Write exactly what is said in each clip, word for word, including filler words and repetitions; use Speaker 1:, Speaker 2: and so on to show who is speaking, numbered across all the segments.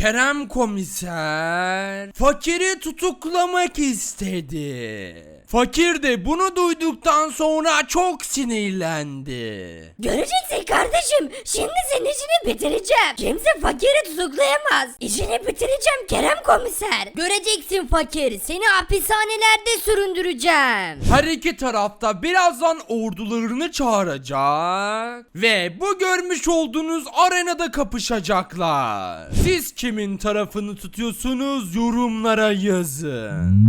Speaker 1: Kerem komiser fakiri tutuklamak istedi. Fakir de bunu duyduktan sonra çok sinirlendi.
Speaker 2: Göreceksin kardeşim. Şimdi senin işini bitireceğim. Kimse fakiri tutuklayamaz. İşini bitireceğim Kerem komiser. Göreceksin fakir. Seni hapishanelerde süründüreceğim.
Speaker 1: Her iki tarafta birazdan ordularını çağıracak ve bu görmüş olduğunuz arenada kapışacaklar. Siz kimin tarafını tutuyorsunuz yorumlara yazın.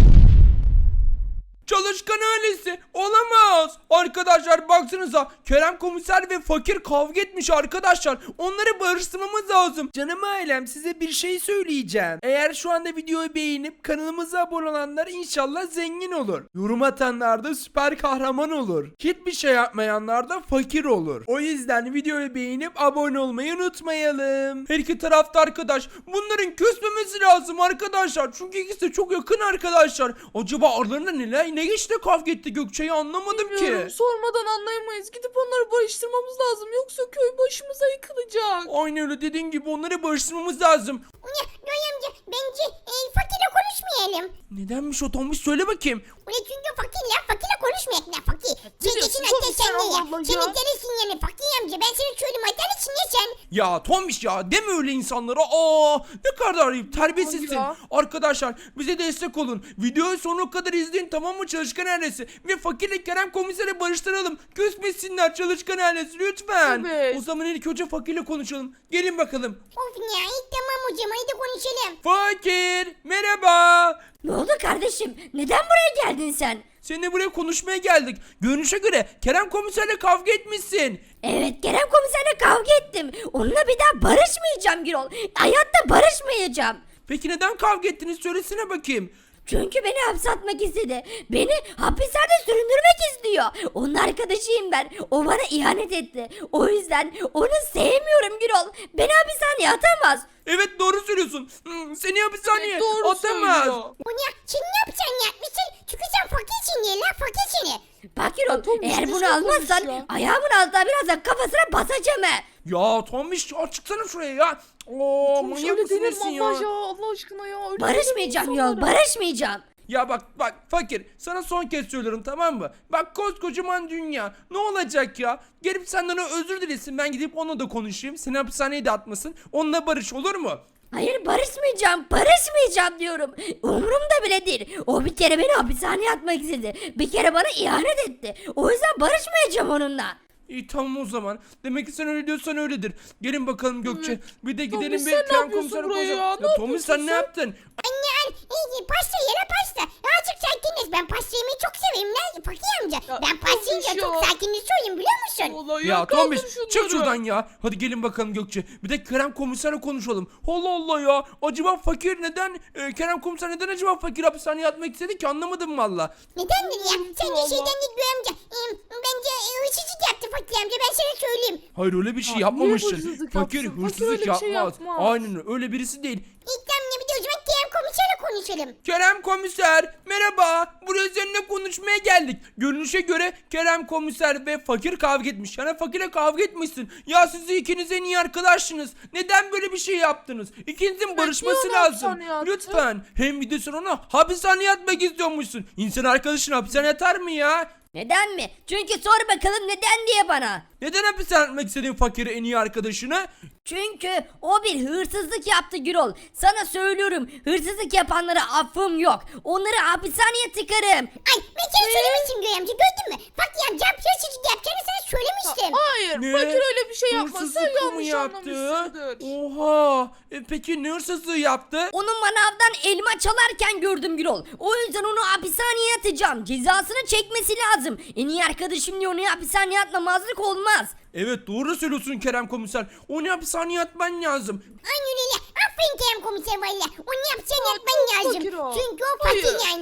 Speaker 1: Çalışkan ailesi olamaz. Arkadaşlar baksanıza Kerem komiser ve fakir kavga etmiş arkadaşlar. Onları barıştırmamız lazım. Canım ailem size bir şey söyleyeceğim. Eğer şu anda videoyu beğenip kanalımıza abone olanlar inşallah zengin olur. Yorum atanlar da süper kahraman olur. Hiçbir şey yapmayanlar da fakir olur. O yüzden videoyu beğenip abone olmayı unutmayalım. Her iki tarafta arkadaş. Bunların küsmemesi lazım arkadaşlar. Çünkü ikisi de çok yakın arkadaşlar. Acaba aralarında neler ne geçti kavga etti Gökçe'yi anlamadım
Speaker 3: Bilmiyorum,
Speaker 1: ki.
Speaker 3: sormadan anlayamayız. Gidip onları barıştırmamız lazım. Yoksa köy başımıza yıkılacak.
Speaker 1: Aynen öyle dediğin gibi onları barıştırmamız lazım.
Speaker 4: Ulan Noy amca bence e, fakirle konuşmayalım.
Speaker 1: Nedenmiş o Tombiş söyle bakayım.
Speaker 4: Ulan çünkü fakirle fakirle konuşmayak ne fakir. Sen
Speaker 3: diyorsun
Speaker 4: geçin hatta
Speaker 3: Tombiş
Speaker 4: sen
Speaker 3: sen,
Speaker 4: de ya.
Speaker 3: Allah Allah
Speaker 4: Senin
Speaker 3: ya.
Speaker 4: delisin yani fakir amca. Ben sana söyleyeyim hatta için ya sen.
Speaker 1: Ya Tombiş ya deme öyle insanlara. Aa ne kadar ayıp terbiyesizsin.
Speaker 3: Ya.
Speaker 1: Arkadaşlar bize destek olun. Videoyu sonuna kadar izleyin tamam mı çalışkan ailesi. Ve fakirle Kerem komiseri barıştıralım. Küsmesinler çalışkan ailesi lütfen.
Speaker 3: Evet.
Speaker 1: O zaman ilk önce fakirle konuşalım. Gelin bakalım.
Speaker 4: Of ya iyi tamam hocam hadi konuşalım.
Speaker 1: Fakir merhaba.
Speaker 2: Ne oldu kardeşim? Neden buraya geldin sen?
Speaker 1: Seninle buraya konuşmaya geldik. Görünüşe göre Kerem komiserle kavga etmişsin.
Speaker 2: Evet Kerem komiserle kavga ettim. Onunla bir daha barışmayacağım Gürol. Hayatta barışmayacağım.
Speaker 1: Peki neden kavga ettiniz söylesene bakayım.
Speaker 2: Çünkü beni hapse atmak istedi. Beni hapislerde süründürmek istiyor. Onun arkadaşıyım ben. O bana ihanet etti. O yüzden onu sevmiyorum Gürol. Beni hapishaneye atamaz.
Speaker 1: Evet doğru söylüyorsun. Hmm, seni hapishaneye
Speaker 3: Evet, doğru
Speaker 1: atamaz.
Speaker 3: söylüyor.
Speaker 4: Ulan sen ne yapacaksın yapmışsın? Çünkü sen fakirsin ya lan fakir seni.
Speaker 2: Bak Gürol
Speaker 3: Tombiş,
Speaker 2: eğer
Speaker 3: düzgün
Speaker 2: bunu almazsan
Speaker 3: konuş ya.
Speaker 2: ayağımın altına birazdan kafasına basacağım he.
Speaker 1: Ya Tombiş ya çıksana şuraya ya. Oo
Speaker 3: Tombiş
Speaker 1: manyak
Speaker 3: öyle
Speaker 1: mısın
Speaker 3: denir
Speaker 1: nesin
Speaker 3: mi
Speaker 1: ya?
Speaker 3: Allah ya? Allah aşkına ya. Öyle
Speaker 2: Barışmayacağım
Speaker 3: denir
Speaker 2: Gürol
Speaker 3: insanlara.
Speaker 2: barışmayacağım.
Speaker 1: Ya bak bak fakir sana son kez söylüyorum tamam mı? Bak koskocaman dünya ne olacak ya? Gelip senden o özür dilesin ben gidip onunla da konuşayım. Seni hapishaneye de atmasın. Onunla barış olur mu?
Speaker 2: Hayır barışmayacağım, barışmayacağım diyorum. Umurumda bile değil. O bir kere beni hapishaneye atmak istedi. Bir kere bana ihanet etti. O yüzden barışmayacağım onunla.
Speaker 1: İyi tamam o zaman. Demek ki sen öyle diyorsan öyledir. Gelin bakalım Gökçe. Bir de gidelim
Speaker 3: Tombiş,
Speaker 1: bir
Speaker 3: sen ne
Speaker 1: Kerem
Speaker 3: yapıyorsun
Speaker 1: komiserle
Speaker 3: buraya
Speaker 1: konuşalım.
Speaker 3: ya? Ne
Speaker 1: Ya Tombiş sen
Speaker 3: yapıyorsun
Speaker 1: ne
Speaker 3: sen?
Speaker 1: yaptın?
Speaker 4: Anne an iyi pasta yere pasta. Azıcık sakiniz ben pasta yemeyi çok severim lan fakir amca.
Speaker 3: Ya,
Speaker 4: Ben pasta yiyince
Speaker 3: Tombiş
Speaker 4: çok
Speaker 3: ya.
Speaker 4: sakinleşiyorum biliyor musun?
Speaker 3: Vallahi
Speaker 1: Ya
Speaker 3: kaldır
Speaker 1: Tombiş
Speaker 3: şunları.
Speaker 1: çık şuradan ya. Hadi gelin bakalım Gökçe. Bir de Kerem komiserle konuşalım. Allah Allah ya. Acaba fakir neden e, Kerem komiser neden acaba fakir hapishaneye atmak istedi ki anlamadım valla.
Speaker 4: Nedendir ya? Sen de
Speaker 3: Allah.
Speaker 4: şeyden değil Göğe amca. Ee, Bence e, hırsızlık yaptı fakir amca ben sana söyleyeyim.
Speaker 1: Hayır öyle bir şey
Speaker 3: Ya, niye
Speaker 1: yapmamıştır.
Speaker 3: hırsızlık
Speaker 1: Fakir
Speaker 3: yapsın? Fakir
Speaker 1: hırsızlık
Speaker 3: öyle bir şey
Speaker 1: yapmaz.
Speaker 3: yapmaz.
Speaker 1: Aynen öyle. Öyle birisi değil.
Speaker 4: İlk damla bir de o zaman Kerem komiserle konuşalım.
Speaker 1: Kerem komiser merhaba. Buraya seninle konuşmaya geldik. Görünüşe göre Kerem komiser ve fakir kavga etmiş. Yani fakirle kavga etmişsin. Ya siz ikiniz en iyi arkadaşsınız. Neden böyle bir şey yaptınız? İkinizin barışması
Speaker 3: niye onu
Speaker 1: lazım.
Speaker 3: hapishaneye attı?
Speaker 1: Lütfen. Hem bir de sen ona hapishaneye atmak istiyormuşsun. İnsan arkadaşını hapishaneye atar mı ya?
Speaker 2: Neden mi? Çünkü sor bakalım neden diye bana.
Speaker 1: Neden hapishaneye atmak istedin fakiri en iyi arkadaşını?
Speaker 2: Çünkü o bir hırsızlık yaptı Gürol. Sana söylüyorum hırsızlık yapanlara affım yok. Onları hapishaneye tıkarım.
Speaker 4: Ay ben sana söylemiştim Göğe amca gördün mü? Fakir amca hırsızlık yapacağını sana söylemiştim.
Speaker 3: Hayır
Speaker 1: Ne?
Speaker 3: fakir öyle bir şey yapmaz. Sen
Speaker 1: Hırsızlık mı
Speaker 3: yanlış
Speaker 1: yaptı?
Speaker 3: anlamışsındır.
Speaker 1: Oha. E, peki ne hırsızlığı yaptı?
Speaker 2: Onun manavdan elma çalarken gördüm Gürol. O yüzden onu hapishaneye atacağım. Cezasını çekmesi lazım. En iyi arkadaşım diye onu hapishaneye atmamazlık olmaz.
Speaker 1: Evet doğru söylüyorsun Kerem komiser. Onu hapishaneye atman lazım.
Speaker 4: Aynen öyle. Aferin Kerem komiser valla. Onu yapacağını
Speaker 3: Aa,
Speaker 4: yapman
Speaker 3: çok
Speaker 4: lazım.
Speaker 3: fakir o.
Speaker 4: Çünkü o fakir
Speaker 3: Hayır.
Speaker 4: yani.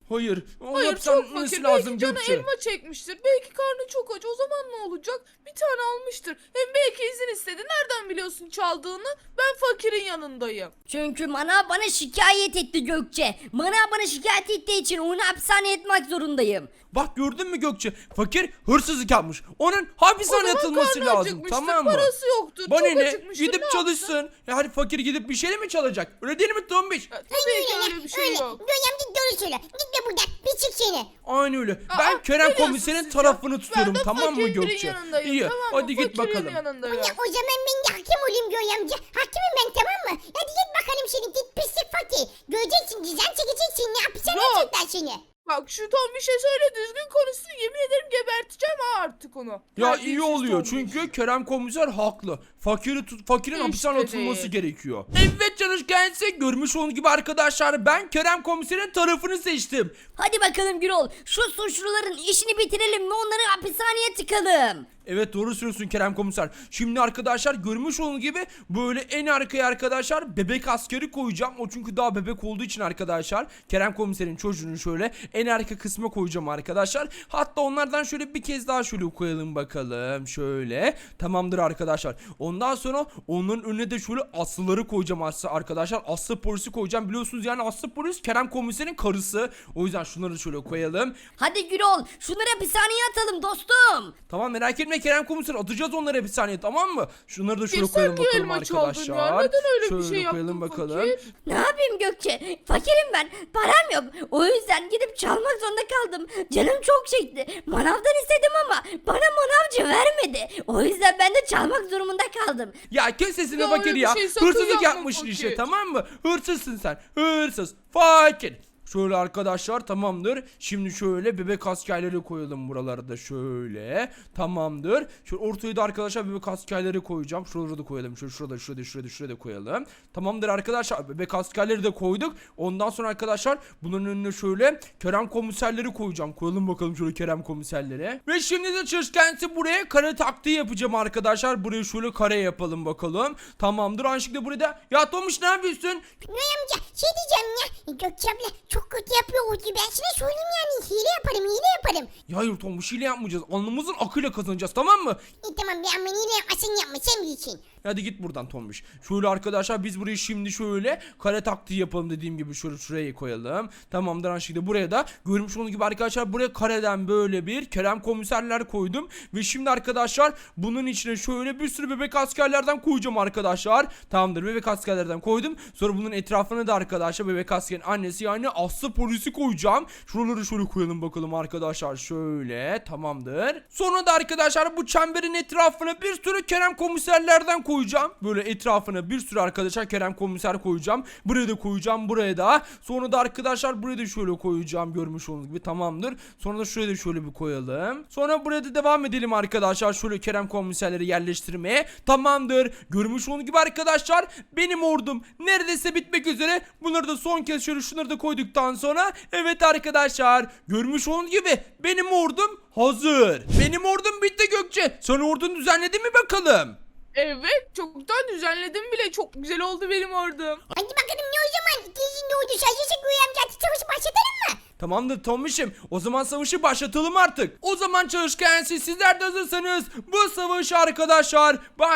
Speaker 1: Hayır. O
Speaker 3: Hayır
Speaker 1: yapsan
Speaker 3: çok
Speaker 1: nasıl
Speaker 3: fakir.
Speaker 1: lazım
Speaker 3: Belki canı
Speaker 1: Gökçe?
Speaker 3: elma çekmiştir. Belki karnı çok aç. O zaman ne olacak? Bir tane almıştır. Hem belki izin istedi. Nereden biliyorsun çaldığını? Ben fakirin yanındayım.
Speaker 2: Çünkü Manav bana şikayet etti Gökçe. Manav bana şikayet ettiği için onu hapishaneye atmak zorundayım.
Speaker 1: Bak gördün mü Gökçe? Fakir hırsızlık yapmış. Onun hapishaneye
Speaker 3: O zaman
Speaker 1: atılması
Speaker 3: karnı
Speaker 1: lazım.
Speaker 3: acıkmıştır,
Speaker 1: Tamam mı?
Speaker 3: parası yoktur.
Speaker 1: Bana
Speaker 3: çok
Speaker 1: ne?
Speaker 3: acıkmıştır.
Speaker 1: Gidip
Speaker 3: Ne yapsın?
Speaker 1: çalışsın. Yani fakir gidip bir şey mi çalacak? Öyle değil mi Tombiş?
Speaker 3: Ya, tabii
Speaker 4: Öyle
Speaker 3: ki
Speaker 4: öyle
Speaker 3: öyle bir şey
Speaker 4: öyle.
Speaker 3: yok.
Speaker 4: Göğe amca doğru söyle. Gitme buradan. Bir çık seni.
Speaker 1: Aynı öyle.
Speaker 3: Aa,
Speaker 1: Ben Kerem
Speaker 3: biliyorsun
Speaker 1: komiserin
Speaker 3: siz
Speaker 1: tarafını
Speaker 3: ya.
Speaker 1: tutuyorum,
Speaker 3: Ben de
Speaker 1: tamam mı
Speaker 3: fakirin
Speaker 1: Gökçe?
Speaker 3: yanındayım,
Speaker 1: İyi.
Speaker 3: tamam mı?
Speaker 1: Hadi git
Speaker 3: Fakirin
Speaker 1: bakalım.
Speaker 3: yanındayım.
Speaker 4: Ya, o zaman ben de hakim olayım Göğe amca. Hakimim ben tamam mı? Hadi git bakalım seni git pislik fakir. Göreceksin cezan çekeceksin. Ne hapishaneye
Speaker 3: Yok.
Speaker 4: atacaklar seni.
Speaker 3: Bak şu Tom bir şey söyle düzgün konuşsun. Yemin ederim geberteceğim ha artık onu.
Speaker 1: Ya
Speaker 3: Terbiyesiz
Speaker 1: iyi oluyor
Speaker 3: Tombiş.
Speaker 1: çünkü Kerem komiser haklı. Fakiri tut, fakirin
Speaker 3: İşte
Speaker 1: hapishaneye atılması
Speaker 3: değil.
Speaker 1: gerekiyor. Evet canış kendisi görmüş olduğunuz gibi arkadaşlar ben Kerem komiserin tarafını seçtim.
Speaker 2: Hadi bakalım Gürol. Şu suçluların işini bitirelim ve onları hapishaneye tıkalım.
Speaker 1: Evet doğru söylüyorsun Kerem komiser. Şimdi arkadaşlar görmüş olduğunuz gibi böyle en arkaya arkadaşlar bebek askeri koyacağım. O çünkü daha bebek olduğu için arkadaşlar Kerem komiserin çocuğunu şöyle en arka kısma koyacağım arkadaşlar. Hatta onlardan şöyle bir kez daha şöyle koyalım bakalım. Şöyle tamamdır arkadaşlar. Ondan sonra onun önüne de şöyle aslıları koyacağım aslı arkadaşlar. Aslı polisi koyacağım. Biliyorsunuz yani aslı polis Kerem komiserin karısı. O yüzden şunları da şöyle koyalım.
Speaker 2: Hadi Gürol şunları hapishaneye atalım dostum.
Speaker 1: Tamam merak etme Kerem komiser atacağız onları hapishaneye tamam mı? Şunları da şöyle
Speaker 3: Ya sen
Speaker 1: koyalım
Speaker 3: niye
Speaker 1: bakalım
Speaker 3: elma çaldın
Speaker 1: arkadaşlar.
Speaker 3: ya? Neden öyle bir
Speaker 1: şöyle
Speaker 3: şey yaptın
Speaker 1: koyalım bakalım.
Speaker 3: fakir?
Speaker 2: Ne yapayım Gökçe? Fakirim ben. Param yok. O yüzden gidip çalmak zorunda kaldım. Canım çok çekti. Manavdan istedim ama bana manavcı vermedi. O yüzden ben de çalmak durumunda kaldım.
Speaker 1: Ya kes sesini
Speaker 3: Ya
Speaker 1: fakir
Speaker 3: öyle bir
Speaker 1: ya.
Speaker 3: şey sakın
Speaker 1: Hırsızlık
Speaker 3: yapma
Speaker 1: yapmışsın
Speaker 3: fakir.
Speaker 1: işte tamam mı? Hırsızsın sen. Hırsız. Fakir. Şöyle arkadaşlar tamamdır. Şimdi şöyle bebek askerleri koyalım buralara da şöyle. Tamamdır. Şöyle ortaya da arkadaşlar bebek askerleri koyacağım. Şuraları da koyalım. Şöyle şurada şurada şurada şurada koyalım. Tamamdır arkadaşlar. Bebek askerleri de koyduk. Ondan sonra arkadaşlar bunun önüne şöyle Kerem komiserleri koyacağım. Koyalım bakalım şöyle Kerem komiserleri. Ve şimdi de çalışkensi buraya kare taktiği yapacağım arkadaşlar. Buraya şöyle kare yapalım bakalım. Tamamdır. Aynı şekilde burada. Ya Tomuş ne yapıyorsun?
Speaker 4: Göğe amca şey diyeceğim ya. Gökçe abla çok kötü yapıyor o gibi. Ben sana söyleyeyim yani. Hile yaparım hile yaparım.
Speaker 1: Ya hayır Tomuş hile yapmayacağız. Alnımızın akıyla kazanacağız tamam mı?
Speaker 4: İyi tamam ben ben hile yapmasın yapma sen bilirsin.
Speaker 1: Hadi git buradan Tombiş. Şöyle arkadaşlar biz burayı şimdi şöyle kare taktiği yapalım dediğim gibi şöyle şuraya koyalım. Tamamdır aynı şekilde buraya da görmüş olduğunuz gibi arkadaşlar buraya kareden böyle bir Kerem komiserler koydum. Ve şimdi arkadaşlar bunun içine şöyle bir sürü bebek askerlerden koyacağım arkadaşlar. Tamamdır bebek askerlerden koydum. Sonra bunun etrafına da arkadaşlar bebek askerin annesi yani aslı polisi koyacağım. Şuraları şöyle koyalım bakalım arkadaşlar şöyle tamamdır. Sonra da arkadaşlar bu çemberin etrafına bir sürü Kerem komiserlerden koyacağım. Böyle etrafına bir sürü arkadaşlar Kerem komiser koyacağım. Buraya da koyacağım buraya da. Sonra da arkadaşlar buraya da şöyle koyacağım görmüş olduğunuz gibi tamamdır. Sonra da şuraya da şöyle bir koyalım. Sonra buraya da devam edelim arkadaşlar. Şöyle Kerem komiserleri yerleştirmeye. Tamamdır. Görmüş olduğunuz gibi arkadaşlar benim ordum neredeyse bitmek üzere. Bunları da son kez şöyle şunları da koyduktan sonra evet arkadaşlar görmüş olduğunuz gibi benim ordum hazır. Benim ordum bitti Gökçe. Sen ordunu düzenledin mi bakalım?
Speaker 3: Evet çoktan düzenledim bile. Çok güzel oldu benim ordum.
Speaker 4: Hadi bakalım ne o zaman? İkinci ne oldu? Şaşırsa Göğe amca artık savaşı başlatalım mı?
Speaker 1: Tamamdır Tomiş'im. O zaman savaşı başlatalım artık. O zaman çalışken siz sizler de hazırsanız bu savaşı arkadaşlar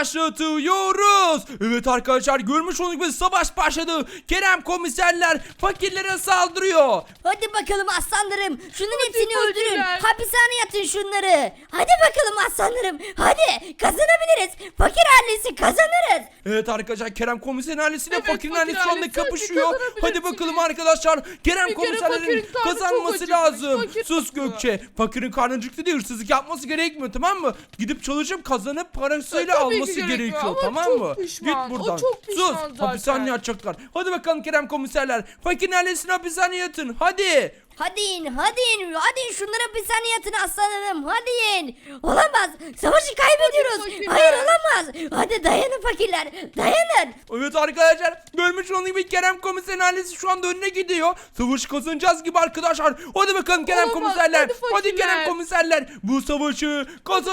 Speaker 1: başlatıyoruz. Evet arkadaşlar görmüş olduğunuz gibi savaş başladı. Kerem komiserler fakirlere saldırıyor.
Speaker 2: Hadi bakalım aslanlarım. Şunların
Speaker 3: Hadi
Speaker 2: hepsini öldürün.
Speaker 3: fakirler.
Speaker 2: Hapishaneye atın şunları. Hadi bakalım aslanlarım. Hadi kazanabiliriz. Fakir ailesi kazanırız.
Speaker 1: Evet arkadaşlar Kerem komiserin ailesiyle
Speaker 3: Evet,
Speaker 1: fakirin
Speaker 3: fakir
Speaker 1: ailesi şu anda
Speaker 3: ailesi, hadi
Speaker 1: kapışıyor. Hadi
Speaker 3: kazanabilirsiniz.
Speaker 1: bakalım arkadaşlar. Kerem
Speaker 3: Bir kere
Speaker 1: komiserlerin
Speaker 3: fakirin karnı çok
Speaker 1: kazanması
Speaker 3: acıkmış,
Speaker 1: lazım.
Speaker 3: fakir
Speaker 1: Sus
Speaker 3: haklı.
Speaker 1: Gökçe. Fakirin karnı acıktı diye hırsızlık yapması gerekmiyor tamam mı? Gidip çalışıp kazanıp parasıyla
Speaker 3: Tabii ki
Speaker 1: alması
Speaker 3: gerekiyor
Speaker 1: gerekiyor
Speaker 3: ama
Speaker 1: tamam
Speaker 3: çok
Speaker 1: mı?
Speaker 3: pişman,
Speaker 1: Git
Speaker 3: o
Speaker 1: buradan.
Speaker 3: çok pişman
Speaker 1: Sus.
Speaker 3: zaten.
Speaker 1: Hapishaneye atacaklar. Hadi bakalım Kerem komiserler. Fakirin ailesini hapishaneye atın. Hadi.
Speaker 2: Hadi in, hadi in, hadi in şunları hapishaneye atın aslanlarım, hadi in. Olamaz, savaşı kaybediyoruz.
Speaker 3: Hadi fakirler.
Speaker 2: Hayır olamaz. Hadi dayanın fakirler, dayanın.
Speaker 1: Evet arkadaşlar görmüş olduğunuz gibi Kerem komiserin ailesi şu anda önüne gidiyor. Savaşı kazanacağız gibi arkadaşlar. Hadi bakalım Kerem
Speaker 3: Olamaz,
Speaker 1: komiserler.
Speaker 3: hadi
Speaker 1: Hadi,
Speaker 3: fakirler.
Speaker 1: Kerem komiserler. Bu savaşı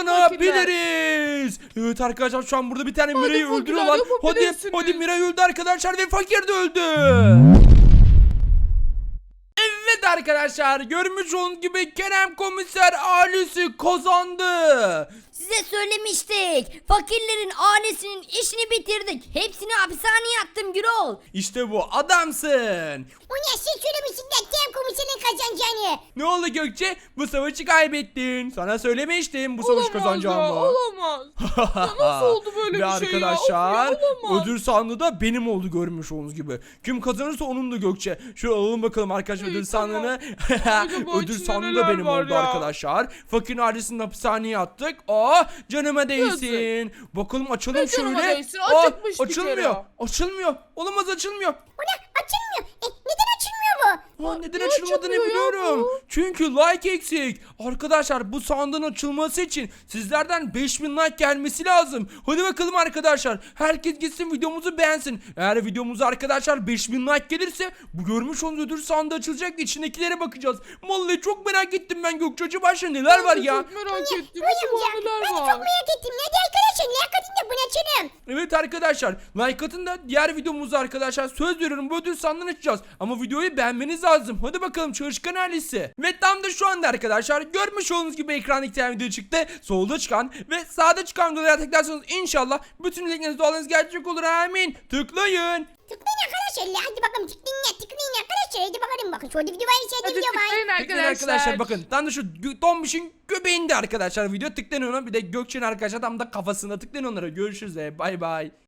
Speaker 1: kazanabiliriz. Evet arkadaşlar şu an burada bir tane
Speaker 3: Hadi
Speaker 1: Mira'yı
Speaker 3: fakirler,
Speaker 1: öldürüyorlar. Hadi
Speaker 3: yapabilirsiniz.
Speaker 1: hadi Mira öldü arkadaşlar ve fakir de öldü. Evet arkadaşlar görmüş olduğunuz gibi Kerem Komiser ailesi kazandı.
Speaker 2: Size söylemiştik. Fakirlerin ailesinin işini bitirdik. Hepsini hapishaneye attım Gürol.
Speaker 1: İşte bu adamsın.
Speaker 4: O ne sen söylemişsin de Kerem komiserin kazanacağını.
Speaker 1: Ne oldu Gökçe? Bu savaşı kaybettin. Sana söylemiştim bu savaşı
Speaker 3: Olamaz ya,
Speaker 1: kazanacağımı.
Speaker 3: olamaz. Ya nasıl oldu böyle
Speaker 1: Ve
Speaker 3: bir şey ya?
Speaker 1: arkadaşlar
Speaker 3: Of ya, olamaz.
Speaker 1: ödül sandığı da benim oldu görmüş olduğunuz gibi. Kim kazanırsa onun da Gökçe. Şöyle alalım bakalım arkadaşlar
Speaker 3: İyi,
Speaker 1: ödül
Speaker 3: tamam.
Speaker 1: sandığını.
Speaker 3: Acaba
Speaker 1: Ödül
Speaker 3: içinde
Speaker 1: sandığı da
Speaker 3: neler
Speaker 1: benim
Speaker 3: var
Speaker 1: oldu
Speaker 3: ya?
Speaker 1: arkadaşlar. Fakirin ailesini hapishaneye attık. Aa canıma değsin. Bakalım açalım
Speaker 3: Ne canıma
Speaker 1: şöyle.
Speaker 3: değsin?
Speaker 1: Aa,
Speaker 3: Acıkmış bir
Speaker 1: açılmıyor.
Speaker 3: kere.
Speaker 1: Açılmıyor. Olamaz açılmıyor.
Speaker 4: O ne açılmıyor. E, neden açılmıyor bu?
Speaker 1: Aa, neden
Speaker 3: niye
Speaker 1: açılmadığını
Speaker 3: açılmıyor ya
Speaker 1: biliyorum.
Speaker 3: bu?
Speaker 1: Çünkü like eksik. Arkadaşlar bu sandığın açılması için sizlerden beş bin like gelmesi lazım. Hadi bakalım arkadaşlar. Herkes gitsin videomuzu beğensin. Eğer videomuza arkadaşlar beş bin like gelirse bu görmüş olduğunuz ödül sandığı açılacak ve içindekilere bakacağız. Vallahi çok merak ettim ben Gökçe. Başta neler var ya.
Speaker 3: Çok merak ettim.
Speaker 4: Uyum
Speaker 3: Acaba
Speaker 4: ya.
Speaker 3: neler
Speaker 4: Ben de
Speaker 3: var?
Speaker 4: çok merak ettim. Hadi arkadaşlar ne akadın da bunu açalım.
Speaker 1: Evet arkadaşlar like atın da diğer videomuzda arkadaşlar söz veriyorum bu ödül sandığını açacağız. Ama videoyu beğenmeniz lazım. Hadi bakalım çalışkan ailesi. Ve tam da şu anda arkadaşlar görmüş olduğunuz gibi ekranda iki tane video çıktı. Solda çıkan ve sağda çıkan videolara tıklarsanız inşallah bütün dilekleriniz dualarınız gerçek olur amin. Tıklayın.
Speaker 4: Tıklayın arkadaşlar. Hadi bakalım tıklayın ya tıklayın arkadaşlar. Hadi bakalım bakın şurada video var içeride
Speaker 3: Hadi
Speaker 4: video var.
Speaker 3: tıklayın
Speaker 1: Tıklayın
Speaker 3: arkadaşlar.
Speaker 1: arkadaşlar bakın. Tam da şu gö- Tombiş'in göbeğinde arkadaşlar video tıklayın ona. Bir de Gökçe'nin arkadaşlar tam da kafasında tıklayın onlara. Görüşürüz. Bay bay.